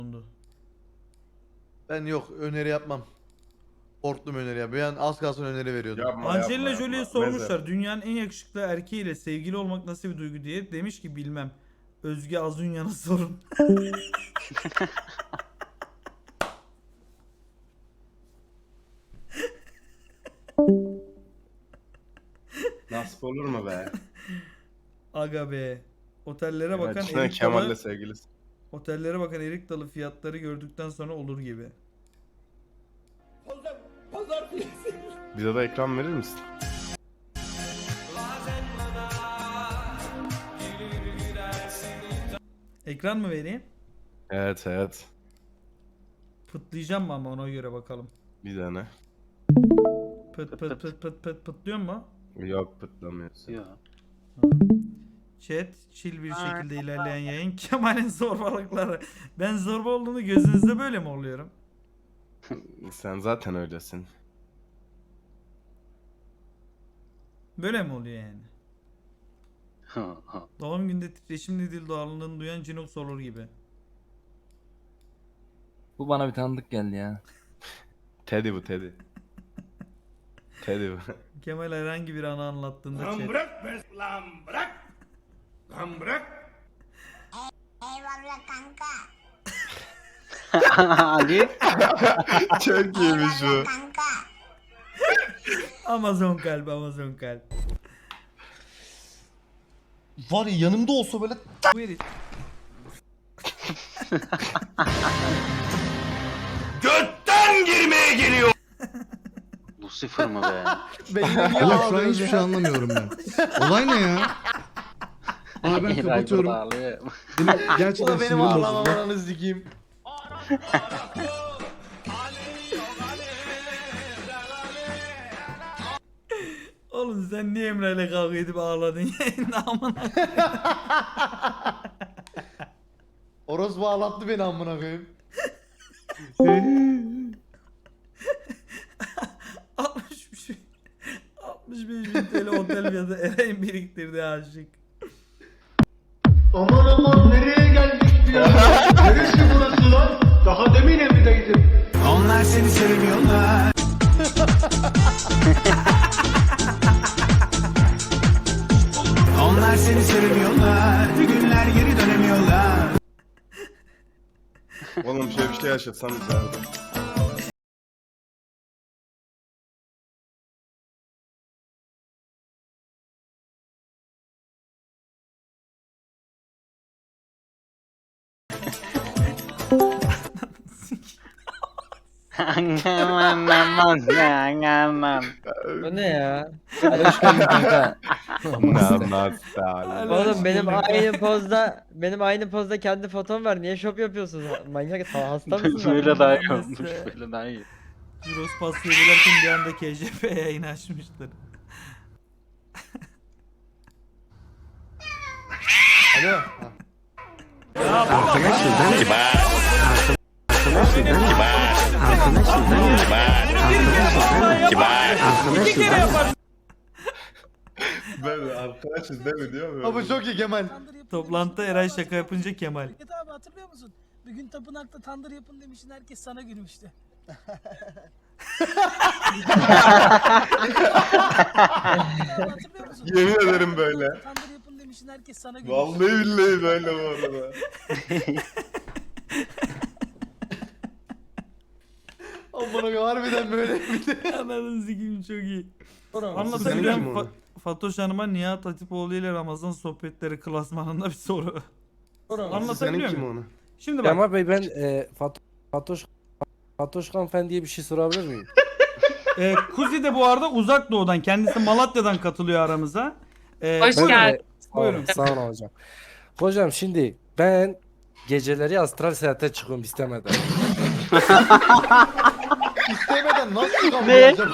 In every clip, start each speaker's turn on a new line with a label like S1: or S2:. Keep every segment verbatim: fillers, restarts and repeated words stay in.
S1: Ben yok öneri yapmam. Korktum öneri ya. Bir an az kalsın öneri veriyordum.
S2: Yapma,
S3: Angelina
S2: yapma,
S3: Jolie'ye
S2: yapma.
S3: sormuşlar
S2: Meze.
S3: dünyanın en yakışıklı erkeğiyle sevgili olmak nasıl bir duygu diye. Demiş ki bilmem. Özge Azunyan'a sorun.
S2: Nasip olur mu be?
S3: Aga be. Otellere bakan
S2: Gerçekten
S3: erik
S2: Kemal'le
S3: dalı,
S2: sevgilisi.
S3: otellere bakan erik dalı fiyatları gördükten sonra olur gibi.
S2: Bize de ekran verir misin?
S3: Ekran mı vereyim?
S2: Evet evet.
S3: Pıtlayacağım mı ama ona göre bakalım.
S2: Bir tane.
S3: Pıt pıt pıt pıt pıt pıtlıyor mu?
S2: Yok pıtlamıyorsun.
S4: Yok.
S3: Chat, chill bir şekilde ilerleyen yayın. Kemal'in zorbalıkları. Ben zorba olduğunu gözünüzde böyle mi oluyorum?
S2: Sen zaten öylesin.
S3: Böyle mi oluyor yani? Doğum günde titreşimli dil doğallığını duyan Cinox olur gibi.
S5: Bu bana bir tanıdık geldi ya.
S2: Teddy bu Teddy. Teddy bu.
S3: Kemal herhangi bir anı anlattığında
S6: Lan
S3: chat.
S6: bırak be lan bırak. Lan bırak.
S7: Eyvallah kanka.
S4: Ali.
S2: Çok iyiymiş bu.
S7: Eyvallah kanka.
S3: Amazon kalp, Amazon kalp.
S1: Var ya yanımda olsa böyle
S3: Bu herif.
S6: Götten girmeye geliyor.
S4: Lucifer mı be?
S1: beynine niye
S8: Oğlum şu an
S1: ağlıyorsun
S8: hiçbir
S1: ya?
S8: şey anlamıyorum ben. Olay ne ya? Abi ben
S4: Eray
S8: kapatıyorum.
S4: burada ağlıyor.
S8: Benim gerçekten
S1: O benim
S8: sinirim
S1: ağlamam
S8: bozuldu.
S1: ananı sikeyim.
S3: Oğlum sen niye Emre ile kavga edip ağladın yayında amına?
S1: Orospu ağlattı beni amına koyayım.
S3: altmış beş altmış beş bin T L otel fiyatı Eray'ın biriktirdiği aşık.
S6: Aman aman nereye geldik ya? Neresi burası lan? Daha demin evdeydim. Onlar seni sevmiyorlar. Onlar seni sevmiyorlar. Bir günler geri dönemiyorlar.
S2: Oğlum şöyle bir şey yaşatsam güzeldi.
S4: Aman aman aman.
S5: Bu ne ya? Hadi hoş geldin kanka.
S2: Namazlar.
S5: Oğlum benim aynı pozda benim aynı pozda kendi fotom var. Niye şop yapıyorsunuz? Manyak hasta mısın? lan?
S4: Böyle daha iyi
S3: Neyse.
S4: olmuş. Böyle daha iyi.
S3: Juros pas yedilerken bir anda K J P yayın açmıştır.
S1: Alo.
S2: Böyle arkadaşız değil mi diyor mu?
S1: Ha bu çok iyi Kemal.
S3: Toplantıda Eray şaka yapınca Kemal.
S9: Fikret abi hatırlıyor musun? Bir gün tapınakta tandır yapın demiştin, herkes sana gülmüştü. Hatırlıyor musun?
S2: Yemin ederim böyle.
S9: Tandır yapın demiştin, herkes sana gülmüştü.
S2: Vallahi billahi böyle bu arada.
S1: Amına koyayım harbiden böyle bir de.
S3: Ananı sikeyim çok iyi.
S2: Senin
S3: Anlatabiliyor
S2: kim
S3: muyum?
S2: onu?
S3: Fa- Fatoş Hanım'a Nihat Hatipoğlu ile Ramazan sohbetleri klasmanında bir soru.
S2: Senin
S3: Anlatabiliyor
S2: kim
S3: muyum?
S2: onu?
S3: Şimdi bak.
S5: Kemal Bey ben e, Fat Fatoş Fatoşkan Fen diye bir şey sorabilir miyim?
S3: E, Kuzi de bu arada uzak doğudan. Kendisi Malatya'dan katılıyor aramıza. E,
S10: Hoş
S3: buyurun.
S10: geldin.
S3: Buyurun.
S5: Sağ olun hocam. Hocam şimdi ben geceleri astral seyahate çıkıyorum istemeden.
S1: İstemeden nasıl kabul
S5: Ne?
S1: edeceğim?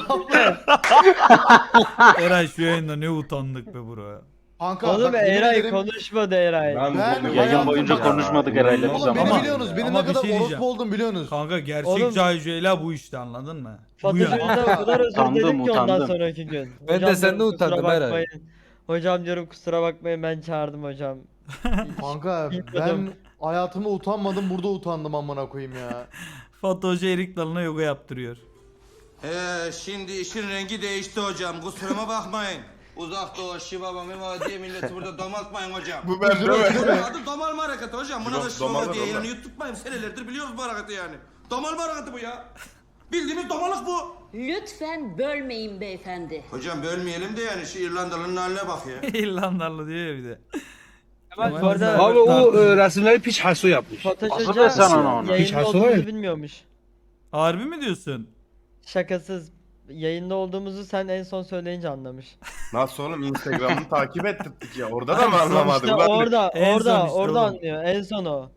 S3: Eray şu yayında ne utandık be bro.
S1: Kanka
S5: Oğlum
S1: bak, yemin
S5: Eray
S1: ederim-
S5: konuşmadı Eray.
S2: Ben,
S1: Ben
S2: bunu
S4: Yayın
S1: hayatımda-
S4: boyunca konuşmadık Eray'la biz
S1: Oğlum beni
S4: ama.
S1: biliyorsunuz. Benim
S3: Ama
S1: ne
S3: bir
S1: kadar
S3: şey diyeceğim.
S1: orospu oldum biliyorsunuz.
S3: Kanka gerçek
S5: Oğlum-
S3: Cahil bu işte anladın mı? Bu
S5: Fatoş
S3: yani.
S5: önünden o kadar özür
S4: Utandım,
S5: diledim ki ondan
S4: utandım.
S5: sonraki gün.
S11: Ben de
S5: Hocam
S11: senden
S5: diyorum, kusura
S11: utandım Eray.
S5: bakmayın. Hocam diyorum kusura bakmayın ben çağırdım hocam.
S1: Kanka ben
S5: Bilmiyordum.
S1: Hayatımda utanmadım, burada utandım amına koyayım ya.
S3: Fatih Hoca Erik Dalı'na yoga yaptırıyor.
S10: Ee, şimdi işin rengi değişti hocam. Kusuruma bakmayın. Uzak doğu, şivaba, mivaba diye milleti burada domaltmayın hocam.
S2: Bu ben değil mi?
S10: Adı domalma hareketi hocam. Buna da
S2: Yok,
S10: şivaba
S2: domalır
S10: diye
S2: oğlum.
S10: yani yutturmayın. Senelerdir biliyoruz bu hareketi yani. Domalma hareketi bu ya. Bildiğimiz domalık bu.
S7: Lütfen bölmeyin beyefendi.
S10: Hocam bölmeyelim de yani şu İrlandalı'nın haline bak ya.
S3: İrlandalı diyor ya bir de.
S5: Kemal bu arada
S3: Abi o
S6: resimleri piç haso yapmış.
S5: Fatoş
S4: Asıl
S5: Hoca
S4: ben sana onu.
S5: yayında
S6: Hiç
S5: olduğumuzu
S6: haso-
S5: bilmiyormuş.
S3: Harbi mi diyorsun?
S5: Şakasız. Yayında olduğumuzu sen en son söyleyince anlamış.
S2: Nasıl oğlum Instagram'ını takip ettirdik ya. Orada da mı anlamadı?
S5: İşte
S2: Ulan
S5: orada,
S3: en son
S5: orada,
S3: işte
S5: orada
S3: oğlum.
S5: anlıyor. En son o.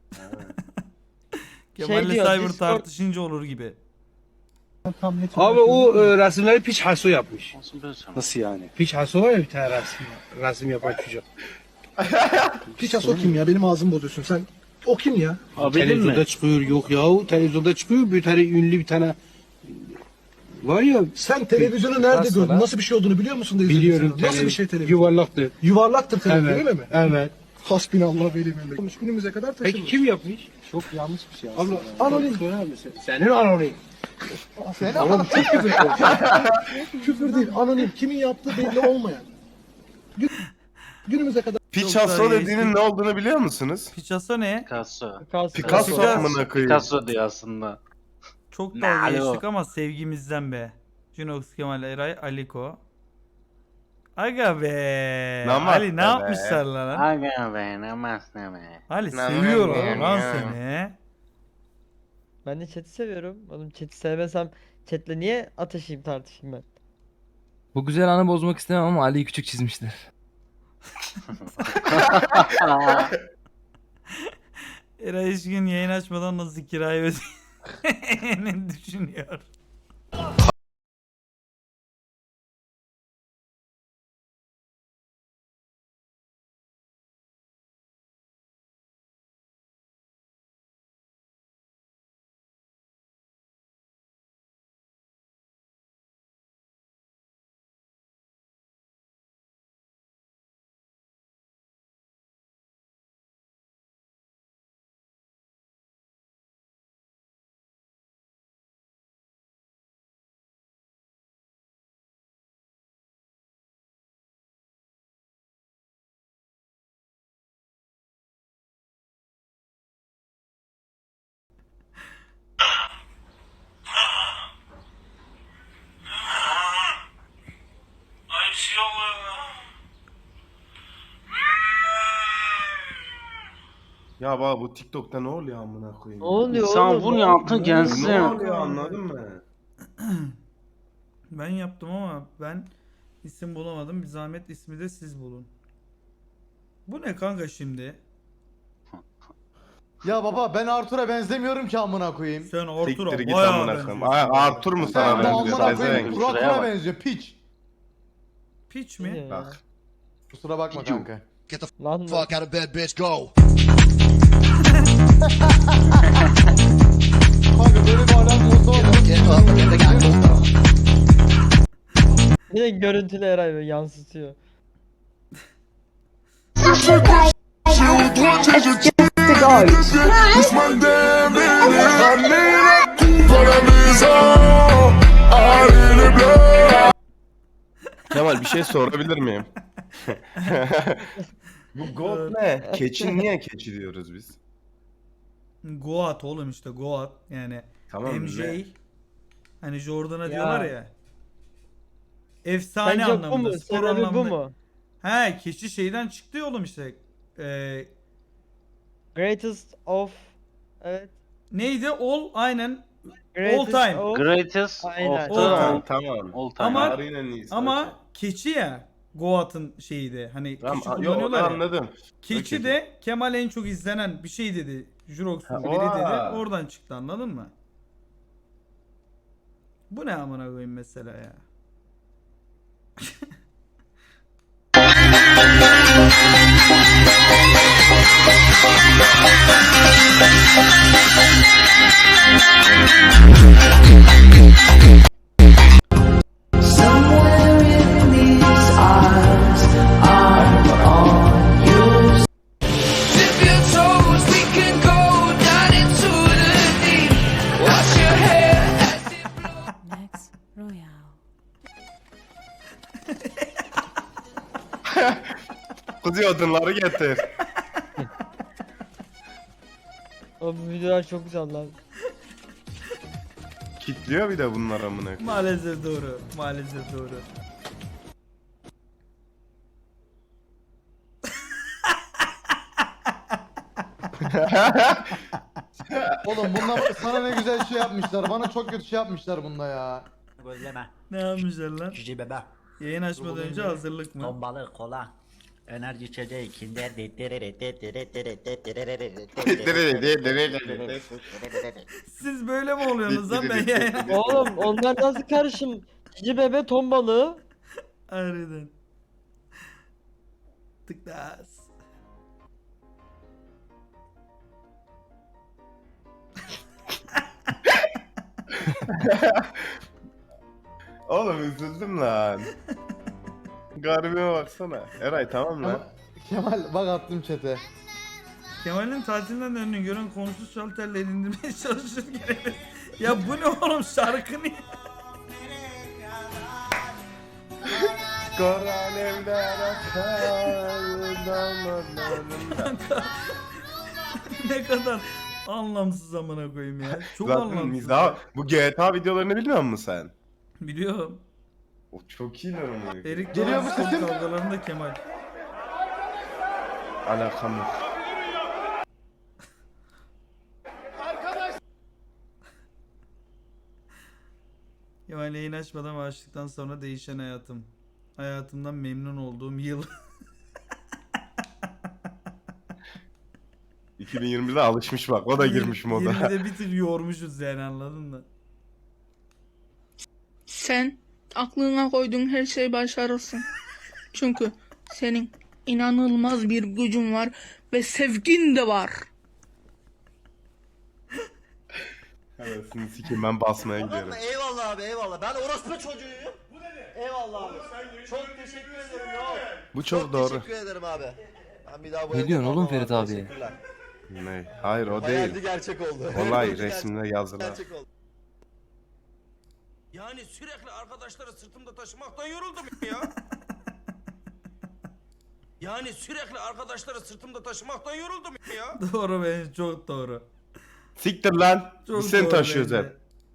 S3: Kemal'le
S5: diyor,
S3: Cyber
S5: Discord-
S3: tartışınca olur gibi.
S6: Abi o e, resimleri piç haso yapmış.
S4: Nasıl ben sana?
S6: Nasıl yani? Piç haso var ya bir tane resim, resim yapan çocuk.
S11: Piç haso kim ya? Benim ağzımı bozuyorsun. Sen o kim ya?
S4: Abi bildin
S6: Televizyonda
S4: mi?
S6: çıkıyor yok yahu televizyonda çıkıyor bir tane ünlü bir tane var ya
S11: Sen televizyonu nerede
S6: Nasıl
S11: gördün?
S6: lan?
S11: Nasıl bir şey olduğunu biliyor musun? da izledin
S6: biliyorum
S11: sen? Nasıl
S6: tele-
S11: bir şey televizyon?
S6: yuvarlaktı.
S11: Yuvarlaktır televizyon
S6: Evet.
S11: öyle mi?
S6: Evet.
S11: Hasbinallah veli melek. Günümüze kadar taşımış.
S6: Peki kim yapmış? Çok yanlış bir şey aslında.
S11: Abla, anonim.
S6: Sorar mısın? Senin anonim.
S11: Sen anonim. Çok küfür ediyorsun. Küfür değil. Anonim. Kimin yaptığı belli olmayan. Gün- Günümüze kadar
S2: Piç
S3: Çok
S2: haso
S3: daha
S2: dediğinin
S3: geçtik.
S2: ne olduğunu biliyor musunuz?
S3: Picasso ne?
S4: Picasso.
S5: Picasso.
S2: Picasso
S3: Picasso.
S2: amına koyayım.
S4: Picasso diyor aslında.
S3: Çok
S4: Ne
S3: dalga
S4: alo?
S3: geçtik ama sevgimizden be. Junox, Kemal, Eray, Aliko. Aga be.
S2: Namaste
S3: Ali ne
S2: be.
S3: yapmışlar lan?
S4: Aga be namaz ne be.
S3: Ali
S2: Namaste
S3: seviyorlar lan
S2: ya.
S3: seni.
S5: Ben de chat'i seviyorum. Oğlum chat'i sevmesem chat'le niye atışayım tartışayım ben?
S12: Bu güzel anı bozmak istemem ama Ali'yi küçük çizmişler.
S3: Eray hiç gün yayın açmadan nasıl kirayı ödeyeceğini düşünüyor.
S2: Ya baba bu TikTok'ta ne oluyor amına koyayım?
S5: Ne oluyor
S4: İnsan
S5: oğlum?
S4: bunu yaptı
S2: Ne
S4: gelsin.
S2: oluyor anladın mı?
S3: Ben yaptım ama ben isim bulamadım. Bir zahmet ismi de siz bulun. Bu ne kanka şimdi?
S1: Ya baba ben Arthur'a benzemiyorum ki amına koyayım.
S3: Sen Arthur'a
S2: Siktir git
S3: bayağı
S2: amına koyayım.
S3: benziyorsun.
S2: Ay, Arthur mu sana
S1: Sen de
S2: benziyor?
S1: amına koyayım.
S2: Pezevenk.
S1: Burak
S4: Şuraya
S1: buna
S4: bak.
S1: benziyor. Piç.
S3: Piç
S5: Ne
S3: mi?
S5: ya?
S2: Bak.
S1: Kusura bakma kanka.
S5: Lan mı?
S11: out of bed bitch go.
S1: Kanka böyle bir alem olsa olur.
S5: Yine görüntülü Eray böyle yansıtıyor.
S2: Kemal bir şey sorabilir miyim? Bu goat ne? Keçi niye keçi diyoruz biz?
S3: Goat oğlum işte Goat yani
S2: Tamam
S3: M J
S2: ne?
S3: hani Jordan'a
S5: Ya.
S3: diyorlar ya. Efsane
S5: Sence bu
S3: anlamında,
S5: mu?
S3: spor
S5: Sebebi bu
S3: anlamında.
S5: mu?
S3: He, keçi şeyden çıktı ya oğlum işte. Ee,
S5: Greatest of... Evet.
S3: neydi? All aynen.
S5: Greatest
S3: time.
S5: of...
S4: Greatest
S5: Aynen.
S4: of
S3: All
S4: the
S3: time.
S2: Tamam tamam.
S4: all time.
S3: Ama-
S2: Tarihin en iyisi.
S3: Ama keçi ya Goat'ın şeyi de hani
S2: Tamam,
S3: keçi
S2: yok onu
S3: kullanıyorlar ya.
S2: anladım.
S3: Keçi
S2: Okey.
S3: de Kemal en çok izlenen bir şey dedi. Jurox'un
S2: Ha,
S3: biri dedi.
S2: oha.
S3: Oradan çıktı anladın mı? Bu ne amına koyayım mesela ya?
S6: Dip your toes
S2: Kuzi odunları getir.
S5: O bu videolar çok güzel lan.
S2: Kitliyor bir de bunlar amına koyayım.
S3: Maalesef doğru. Maalesef doğru.
S1: Oğlum bunlar sana ne güzel şey yapmışlar. Bana çok kötü şey yapmışlar bunda ya.
S6: Gözleme.
S3: Ne yapmışlar lan?
S6: Cüce bebe.
S3: Yayın açmadan önce hazırlık mı?
S6: Ton balığı, kola. Enerji içeceği, kinder.
S3: Siz böyle mi oluyorsunuz lan ben yayın?
S5: Oğlum onlar nasıl karışım? Cici bebe ton balığı.
S3: Harbiden. Tıklas.
S2: Oğlum üzüldüm lan. Garibime baksana. Eray tamam lan.
S1: Ama Kemal bak attım chat'e.
S3: Kemal'in tatilinden döndüğünü gören komşu şalterle indirmeye çalışırken ya bu ne oğlum şarkı ne?
S2: Kara alevler akar damarlarımda.
S3: Ne kadar anlamsız amına koyayım ya. Çok
S2: Zaten
S3: anlamsız.
S2: mizah. Bu G T A videolarını bilmiyor musun sen?
S3: Biliyorum.
S2: O çok iyi lan onu.
S3: Erik
S1: Geliyor
S3: Dalı
S1: mu
S3: son
S1: sesim?
S3: kavgalarında Kemal.
S2: Alakam yok.
S3: Kemal yayın açmadan ve açtıktan sonra değişen hayatım. Hayatımdan memnun olduğum yıl.
S2: iki bin yirmide alışmış bak. O da girmiş moda.
S3: yirmide bir tık yormuşuz yani anladın mı?
S9: Sen aklına koyduğun her şeyi başarırsın. Çünkü senin inanılmaz bir gücün var ve sevgin de var.
S2: Arasını sikeyim ben basmaya gidiyorum.
S6: Eyvallah abi eyvallah. Ben orospu çocuğuyum. Eyvallah abi. Çok teşekkür ederim ya.
S2: Bu çok doğru.
S6: Teşekkür ederim abi. Ben bir daha bu
S12: Ne
S6: evde
S12: diyorsun oğlum
S6: kalmam
S12: Ferit
S6: abi,
S12: abiye?
S6: teşekkürler.
S2: Ne? Hayır o
S6: Hayaldi
S2: değil.
S6: gerçek oldu.
S2: Olay
S6: Gerçek-
S2: resimde yazılan.
S6: Gerçek oldu.
S10: Yani sürekli arkadaşları sırtımda taşımaktan yoruldum ya. Yani sürekli arkadaşları sırtımda taşımaktan yoruldum ya.
S3: Doğru bence çok doğru.
S2: Siktir lan.
S3: Çok
S2: Biz seni
S3: doğru
S2: taşıyoruz
S3: bence.
S2: hep.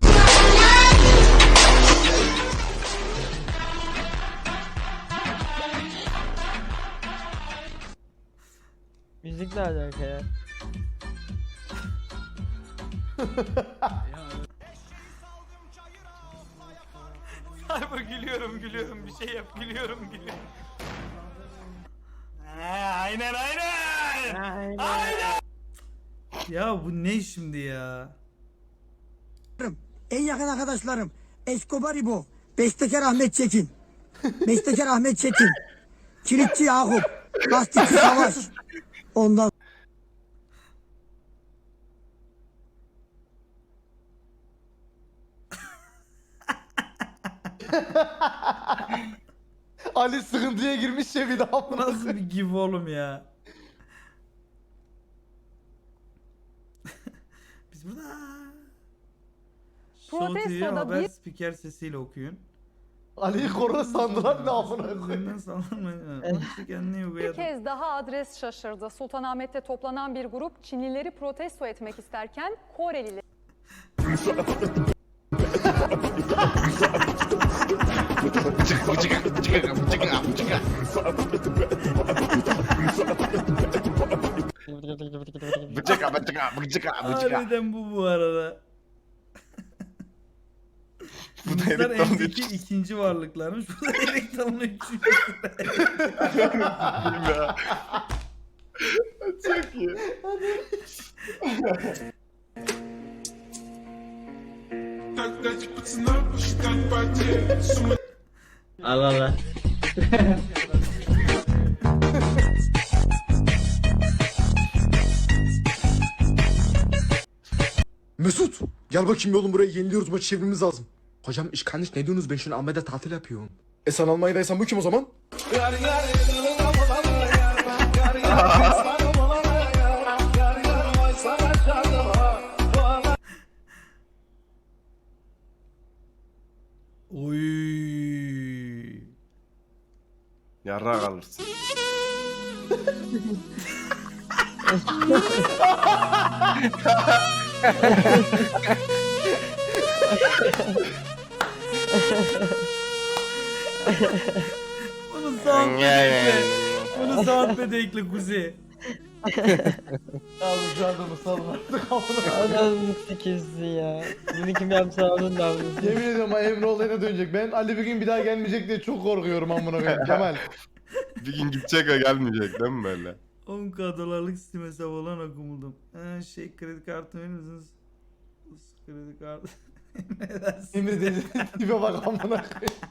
S5: Müzik ne alaka ya?
S3: Cyber gülüyorum gülüyorum bir şey yap gülüyorum gülüyorum.
S10: Aynen aynen.
S3: Ya bu ne şimdi ya?
S9: En yakın arkadaşlarım Escobar İbo, Bestekar Ahmet Çetin, Bestekar Ahmet Çetin, Kilitçi Yakup, Lastikçi Savaş. Ondan
S1: Ali sıkıntıya girmiş ya bir daha.
S3: Bu nasıl bir give oğlum ya? Biz burada. Show T V haber spiker sesiyle okuyun.
S1: Ali'yi korona sandılar ne amına koyayım.
S3: Üzerinden sallanmayın. Onun için kendini
S13: Bir
S3: uyguladı.
S13: kez daha adres şaşırdı. Sultanahmet'te toplanan bir grup Çinlileri protesto etmek isterken Korelileri
S2: Bıçaka bıçaka bıçaka bıçaka.
S3: Harbiden bu bu arada.
S2: Bu da
S3: Bunlar
S2: Erik Dalı'nın
S3: eldeki ikinci varlıklarmış. Bu da Erik Dalı'nın üçüncü.
S2: ya. Çok iyi.
S5: Allah Allah.
S11: Mesut gel bakayım oğlum buraya yeniliyoruz maçı çevirmemiz lazım. Hocam iş kardeş ne diyorsunuz ben şimdi Ahmet'e tatil yapıyorum. E sen Almanya'daysan bu kim o zaman?
S3: Oy.
S2: Yarrak alırsın.
S3: Bunu soundpad'e ekle. Bunu soundpad'e ekle Kuzi.
S1: Abi şu anda mı salın artık amına.
S5: Ananı sikirsin ya. Bunu kim yapsa onun da bunu.
S1: Yemin ediyorum ha, Emre olayına dönecek. Ben Ali bir gün bir daha gelmeyecek diye çok korkuyorum amına koyayım Kemal.
S2: Bir gün gidecek ve gelmeyecek değil mi böyle?
S3: on k dolarlık Steam hesabı olan okumuldum. Ee, şey kredi kartı verir misiniz? Kredi kartı. Ne dersin?
S1: Emre dedi tipe bak amına koyayım.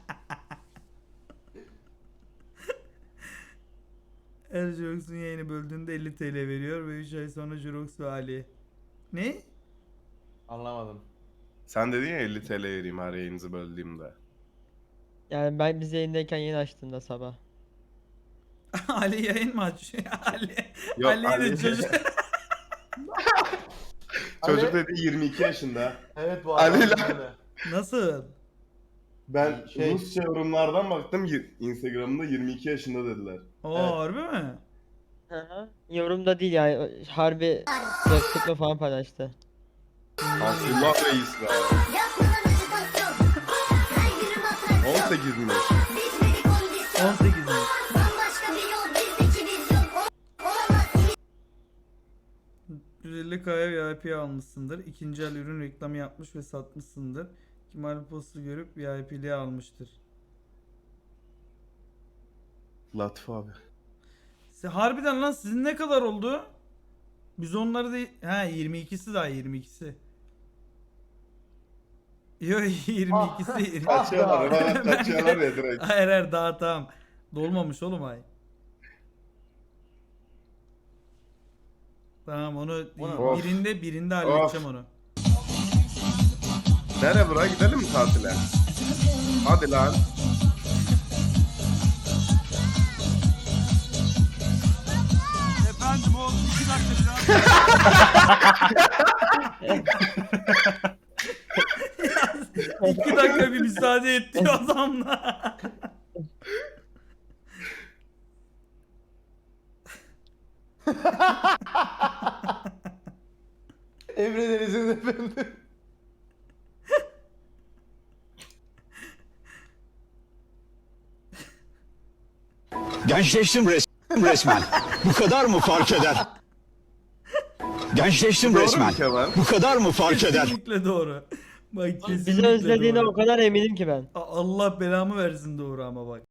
S3: Her Jurox'un yayını böldüğünde elli TL veriyor ve üç ay sonra Jurox ve Ali. Ne?
S1: Anlamadım.
S2: Sen dedin ya elli TL vereyim her yayınızı böldüğümde.
S5: Yani ben biz yayındayken yeni açtığımda sabah.
S3: Ali yayın mı açıyor? Ali.
S2: Yok,
S3: Ali,
S2: Ali-
S3: de çocuk.
S2: Çocuk dedi yirmi iki yaşında.
S1: Evet bu
S2: Ali
S1: adam
S2: ile-
S1: öyle.
S3: Nasıl?
S2: Ben
S1: Şey-
S2: Rusça yorumlardan baktım y- Instagram'da yirmi iki yaşında dediler.
S3: Oo
S1: Evet.
S3: harbi mi?
S5: Hı hı. Yorumda değil yani harbi sıkma falan paylaştı.
S2: Abdullah Reis be. on sekizmiş.
S3: on sekiz mi? yüz elli K'ya V I P almışsındır. İkinci el ürün reklamı yapmış ve satmışsındır. Kemal postu görüp V I P'liğe almıştır.
S2: Latif abi.
S3: Se harbiden lan sizin ne kadar oldu? Biz onları da... Ha yirmi ikisi daha yirmi ikisi. Yo yirmi ikisi. yirmi
S2: Kaçıyorlar, bana kaçıyorlar ya direkt.
S3: Hayır hayır daha tamam. Dolmamış oğlum ay. Tamam onu
S2: Of.
S3: birinde birinde halledeceğim onu.
S2: Nere bura gidelim mi tatile? Hadi lan.
S6: Efendim o iki dakika biraz.
S3: İki dakika bir müsaade et diyor adamla.
S1: Emre Deniz'in efendim.
S6: Gençleştim res resmen. Bu kadar mı fark eder? Gençleştim
S2: Doğru mu
S6: resmen.
S2: Kemal?
S6: Bu kadar mı fark eder?
S3: Kesinlikle doğru. Bak kesinlikle
S5: Bizi özlediğine
S3: doğru.
S5: o kadar eminim ki ben.
S3: A- Allah belamı versin doğru ama bak.